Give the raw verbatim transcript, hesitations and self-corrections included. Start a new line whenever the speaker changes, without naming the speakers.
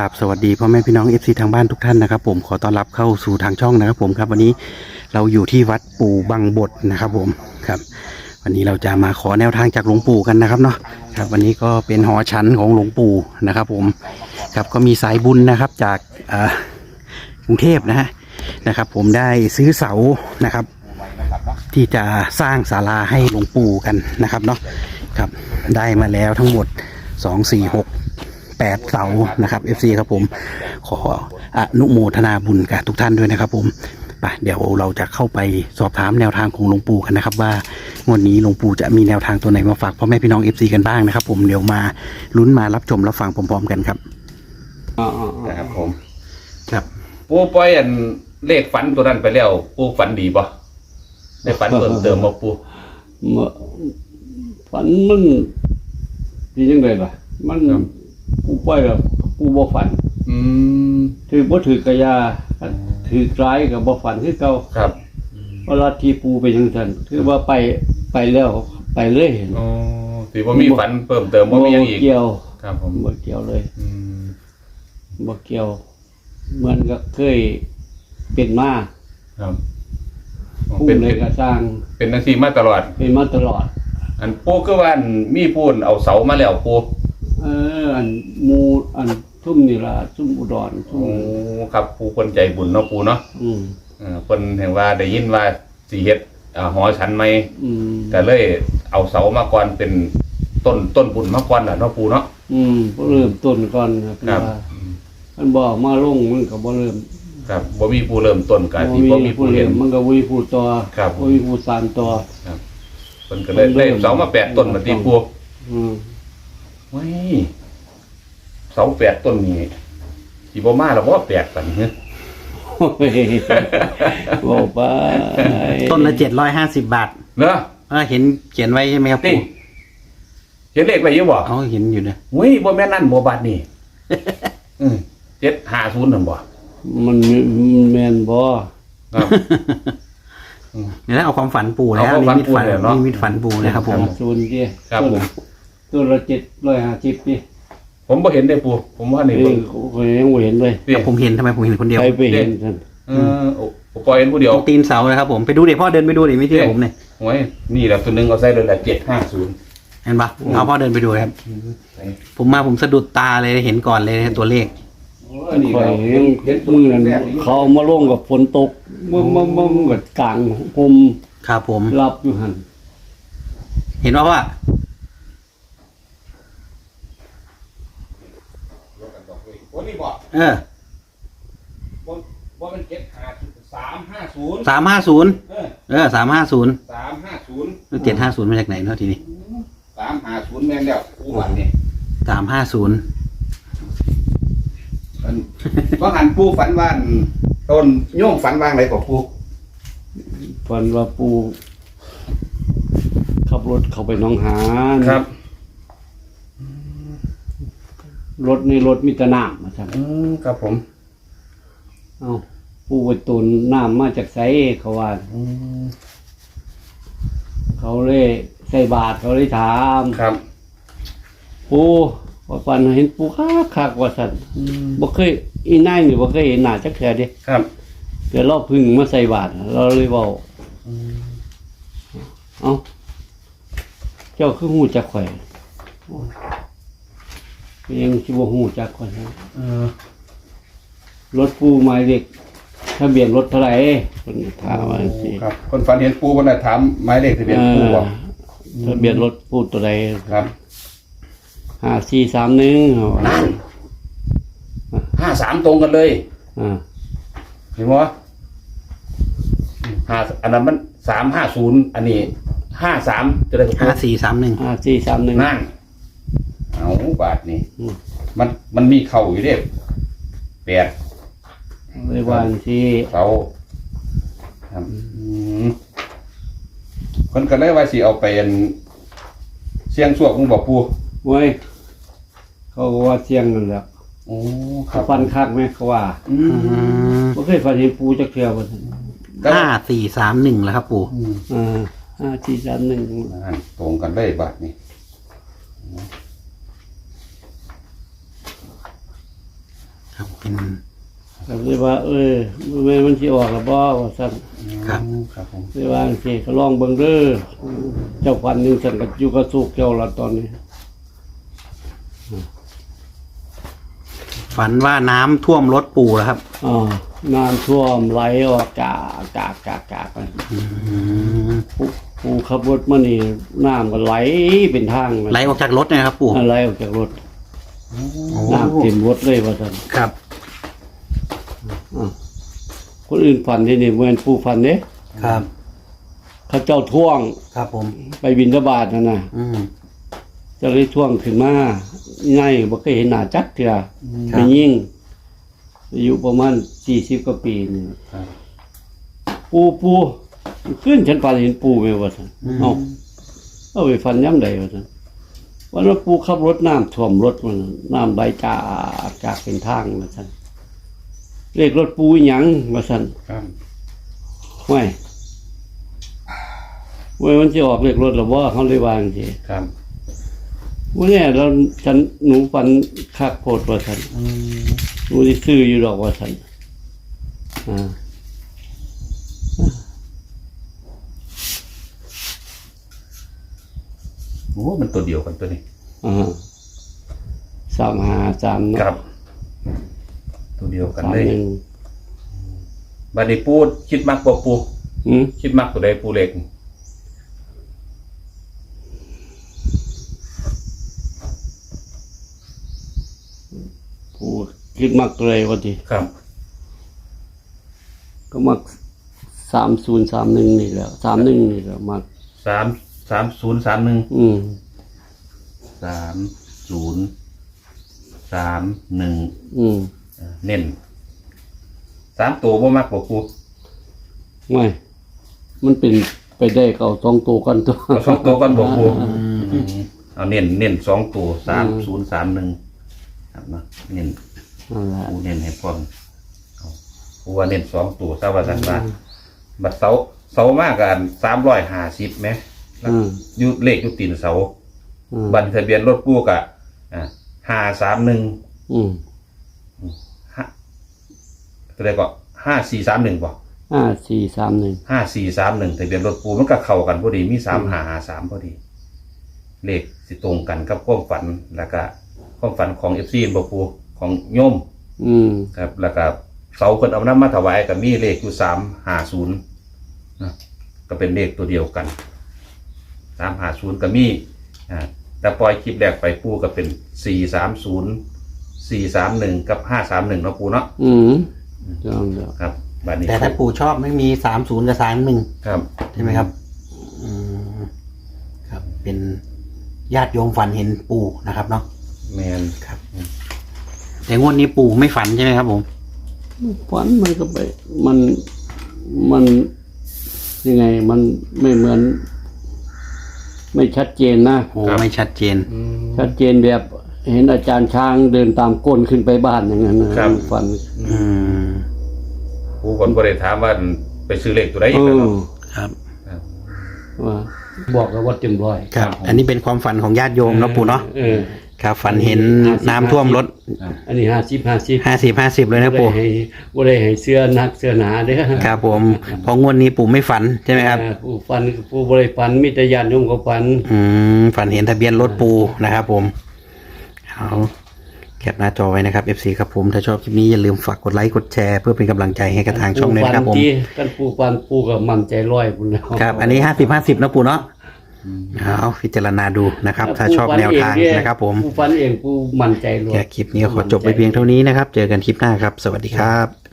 ราบสวัสดีพ่อแม่พี่น้อง เอฟ ซี ทางบ้านทุกท่านนะครับผมขอต้อนรับเข้าสู่ทางช่องนะครับผมครับวันนี้เราอยู่ที่วัดปู่บังบดนะครับผมครับวันนี้เราจะมาขอแนวทางจากหลวงปู่กันนะครับเนาะครับวันนี้ก็เป็นหอฉันของหลวงปู่นะครับผมครับก็มีสายบุญนะครับจากกรุงเทพนะฮะนะครับผมได้ซื้อเสานะครับที่จะสร้างศาลาให้หลวงปู่กันนะครับเนาะครับได้มาแล้วทั้งหมดสองสี่หกแปดเสานะครับ เอฟ ซี ครับผมขออนุโมทนาบุญกับทุกท่านด้วยนะครับผมไปเดี๋ยวเราจะเข้าไปสอบถามแนวทางของหลวงปู่กันนะครับว่างวดนี้หลวงปู่จะมีแนวทางตัวไหนมาฝากพ่อแม่พี่น้อง เอฟ ซี กันบ้างนะครับผมเดี๋ยวมาลุ้นมารับชมรับฟังพร้อมๆกันครับอ๋อนะครับผมครับ
ปูปล่อยอันเลขฝันตัวนั้นไปแล้วปูฝันดีป่ะได้ฝันเพิ่มเติมมาปู
ฝันมันดีจังเลยล่ะมันปูปล่อยกับปูบ่ฝัน
อืม
ถือบ่ถือกระยาถือร้ายกับบ่ฝันคือเก่า
ครับ
เวลาที่ปูไปจังซั่นถือว่าไปไปแล้วไปเลย
อ๋อถือว่ามีฝันเพิ่มเติมบ่มีหยังอีก
บ่เกี่ยว
ครับผม
บ่เกี่ยวเลย
อืม
บ่เกี่ยวเหมือนกับเคยเป็นมา
ครับ
ปูเลยก็สร้าง
เป็นจังซี่มาตลอด
เป็นมาตลอด
อันปูคือว่ามีปูนเอาเสามาแล้วปู
เอออันมูอันทุ่มนี่ล่ะทุ่มอุดรทุ่ม
โอ้ครับปูคนใจบุญเนาะปูเนาะ
อืม
เออเพิ่นเห็นว่าได้ยินว่าสิเฮ็ดอ่าหอฉันใหม่
อืม
ก็เลยเอาเสามาก่อนเป็นต้นต้นบุญมาก่อนล่ะเนาะปูเนาะ
อืมเริ่มต้นก่อนครับมันบ่มาลงมันก็บ่เริ่ม
ครับบ่มีผู้เริ่มต้นก็สิบ่มีผู้เห็น
มันก็บ่มีผู้ต่อบ่มีผู้สานต่อ
ครับเพิ่นก็เลยได้เสามาแปดต้นมาติปู
อืม
เฮ้ยเสาแปดต้นนี่สิบ่มาแล้วบ่แปลกปานนี้
โอ้ยบ่ไป
ต้นละเจ็ดร้อยห้าสิบบาท
เนาะ
เออเห็นเขียนไว้ใช่ไหมครับปู่
เห็นเลขไว้อยู่บ่
อ๋อเห็นอยู่นะ
เฮ้ยบ่แม่นนั่นบ่บาทนี่อือเจ็ดห้าศูนย์นั่นบ่
มันแม่นบ่
ครับ
เดี๋ยวเอาความฝันปู่แล้วนี่มิตฝันนี่มิตฝันปู่นะครับผม
ศูนย์ดิ
ครับผม
ตัวละเจ็ดร้อยห้าสิบดิ
ผมบ่เห็นได้ปู่ผมว่านี่
ผมยังบ่เห็นเลย
ผมเห็นทำไมผมเห็นคนเดียว
ใครไปเห็นท่าน
เออผมปล่อยเห็นผู้เดียว
ตีนเสานะครับผมไปดูเดี๋ยวพ่อเดินไปดูเดี๋ยวไม่เชื่อผมเนี่ย
โอ้ยนี่แหละตัวนึงเอาใส่เลยแหละเจ็ดห้าศูนย์
เห็นปะเอาพ่อเดินไปดูครับผมมาผมสะดุดตาเลยเห็นก่อนเลยตัวเลข
คอยเห็นมือนั้นเขามาลงกับฝนตกมันมันมันกับกลางผม
ครับผม
รับอยู่หัน
เห็นว่าว่าเออ
ว่ามันเจ็ดห้าสามห้าศูนย์
สามห้าศูนย์เออสามห้าศูนย์
สามห้าศูนย์
เจ็ดห้าศูนย์มาจากไหนเนาะทีนี้
สามห้าศูนย์แม่นแล้วผู้วันนี่
สามห้าศูนย์
เพราะหันปูฝันว่าต้นโยงฝันว่างอะไรกับปู
ฝันว่าปูขับรถเข้าไปหนองหาน
ครับ
รถในรถมีแต่น้ำมาครับ
ครับผม
เอาปูไปตุนน้ำมาจากไสเขาว่าเขาเลยใส่บาตรเขาเลยถาม
ครับ
ปูว่าปันเห็นปูคักคักว่าสันบ่เคยอีนายนี่บ่เคยเห็นหน้าจักเทื่อเด้
ครับ
เดี๋ยวเราพึ่งมาใส่บาตรเราเลยเว้าเอ้าเจ้าคือฮู้จักข่อยยังสิบ่ฮู้จักข่อย
เออ
รถปูหมายเลขทะเบียนรถเท่าไหร่เพิ่นถามว่าจังซี่
ครับคนฝันเห็นปูเพิ่นน่ะถามหมายเลขทะเบียนปูบ่
ทะเบียนรถปูตัวใด
ครับ
ห้าสี่สามหนึ่ง
ห้าสามตรงกันเลย
อ่า
เห็นไหมห้าอันนั้นมันสามห้าศูนย์อันนี้ห้าสามจะได้
ห้าสี่สามหนึ่ง
ห้าสี่สามหนึ่ง
นั่นเอาบาทนี่มันมันมีเข่าอยู่เด้แปด
ในวันที่
เขาครับคนกันเลยว่าสิเอาไปเสียงสวกมึงบอกปู
เว้ยเขาว่าเสียงนั่นแหละ
โอ้
เขาฟันคักไหมเขาว่าไม่เคยฟันเห็นปูจะเกลียว
ห้าสี่สามหนึ่งแล้วครับปู่
อ่าห้าสี่สามหนึ่ง
ตรงกันเลยบาทนี่
ครับเป็น
ก็เลยว่า เออแม่นมันสิออกแล้วบ่ว่าซั่น
ครับ
ครับผม
เลยว่าจังซี่ก็ลองเบิ่งเด้อเจ้าฟันหนึงซั่นก็อยู่กับสุกเจ้าละตอนนี้
ฝันว่าน้ำท่วมรถปู่แล้วครับ
อ่าน้ำท่วมไหลออกกากกากกากกากไป
อืม
ผู้ผู้ขับรถมานี่น้ำก็ไหลเป็นทางมัน
ไหลออกจากรถเนะครับปู่
ไหลออกจากรถ
โอ้
น้ำเต็มรถเลยว่าซั่น
ครับ
อ่าคนอื่นฝันที่นี่เหมือนปู่ฝันเด้
ครับ
เขาเจ้าท่วง
ครับผม
ไปบิณฑบาตนั่นน่ะ
อืม
เจะเลยท่วงขึ้นมาง่ายบ่เคยเห็นหน้าจักเทื่อ
ครับ
ไม่ยิ่งอายุประมาณสี่สิบกว่าปีนี่
ครับ
ปูปูขึ้นฉันฝันเห็นปูไหมวะท่านเอ้าเอาไปฝันย่ำใดวะท่านวันนั้นปูขับรถน้ำท่วมรถมันน้ำไหลจากจากเป็นทางวะท่านเลขรถปูอีหยังวะท่าน
ครับ
ไม่เว้ยมันจะออกเลขรถหรือว่าเขาเลยวาจังที
ครับ
วันนี้เราฉันหนูฝันคักโพดวะท่าน
อืม
หนูที่ซื้ออยู่ดอกวะท่านอ่า
โอ้มันตัวเดียวกันตัวนี้
อ่าสามหาสามเนาะ
ครับ ตัวเดียวกัน
สาม
เลย
หนึ่ง
บัดนี้ปูคิดมักบ่ปู
หืม
คิดมักตัวใดปูเล็ก
ผู้คิดมักเลยวะที
ครับ
ก็มักสามศูนย์สามหนึ่งนี่แหละสามหนึ่งนี่แหละมัก
สามสามศูนย์สามหนึ่ง
อืม
สามศูนย์สามหนึ่ง
อืม
เน้นสามตัวบ่มักบ่ปู
ไม่มันเป็นไปได้ก็เอาสองตัวกันตัว
เอาสองตัวกันบ่ปูเอาเน้นเน้นสองตัวสามศูนย์สามหนึ่งครับเนาะเน้น
นั่นแหละ
ปูเน้นให้พร้อมเอาปูว่าเน้นสองตัวซะว่าซั่นว่าบัดเสาเสามากกันสามร้อยห้าสิบไหมแล้ว
อืม
อยู่เลขอยู่ตีนเสา
อืม
บัตรทะเบียนรถปูกะอ่าห้าสามหนึ่ง
อืม
ห้าอะไรก็ห้าสี่สามหนึ่งป่ะ
ห้าสี่สามหนึ่ง
ห้าสี่สามหนึ่งทะเบียนรถปูมันก็เข้ากันพอดีมีสามหาหาสามพอดี เลขสิตรงกันกับความฝันแล้วก็ความฝันของเอฟซีบปูของโยม
อืม
ครับ แล้วก็เสาคนเอาน้ำมาถวายกับมีเลขอยู่สามหาศูนย์นะก็เป็นเลขตัวเดียวกันสามหาศูนย์ก็มีอ่าแต่ปล่อยคลิปแรกไปปูก็เป็นสี่สามศูนย์สี่สามหนึ่งกับห้าสามหนึ่งเนาะปูเนาะ
อืมจังเดียว
ครับบัดนี้
แต่ถ้าปู่ชอบไม่มีสามศูนย์กับสามหนึ่ง
ครับ
ใช่ไหมครับ อืมครับ เป็นญาติโยมฝันเห็นปู่นะครับเนาะ
แมน
ครับ แต่งวดนี้ปู่ไม่ฝันใช่ไหมครับผม
ฝันมันก็ไป มันมันยังไง มันไม่เหมือน ไม่ชัดเจนนะ
โอ้ไม่ชัดเจน
ชัดเจนแบบเห็นอาจารย์ช้างเดินตามก้นขึ้นไปบ้านอย่างนั้นนะครับ ฝัน
อืม
ปูคนก็ได้ถามว่าไปซื้อเลขตัวไหนอี
เอก
แล้ว
อ
เนาะ
ครับ
ครับ
ว่าบอกแล้วว่าเต็มร้อย
ครับ อันนี้เป็นความฝันของญาติโยมเนาะปู่เนาะ
เออ
ครับ ฝันเห็นน้ำท่วมรถ
อันนี้ห้าสิบห้าสิบ
ห้าสิบห้าสิบเลยนะปู่
ให้บ่ได้ให้เสื้อหนักเสื้อหนาเด้อ
ครับผมเพองวดนี้ปู่ไม่ฝันใช่ไหมครับ
เออผู้ฟันผู้บ่ได้ฟันมีแต่ญาติโยมก็ฟัน
อืมฝันเห็นทะเบียนรถปูนะครับผมเอาแคปหน้าจอไว้นะครับ เอฟ ซี ครับผมถ้าชอบคลิปนี้อย่าลืมฝากกดไลค์กดแชร์เพื่อเป็นกำลังใจให้กับทางช่องด้วยนะครับผม
ที่กันผู้ฟันผู้ก็มั่นใจร้อยพุ่นแล้ว
ครับ อันนี้ห้าสิบห้าสิบนะปูเนาะเอาพิจารณาดูนะครับ ถ้าชอบแนวทางนะครับผม
ผู้ฟันเองผู้มั่นใจร้อย
แค่คลิปนี้ก็ขอจบไปเพียงเท่านี้นะครับ เจอกันคลิปหน้าครับ สวัสดีครับ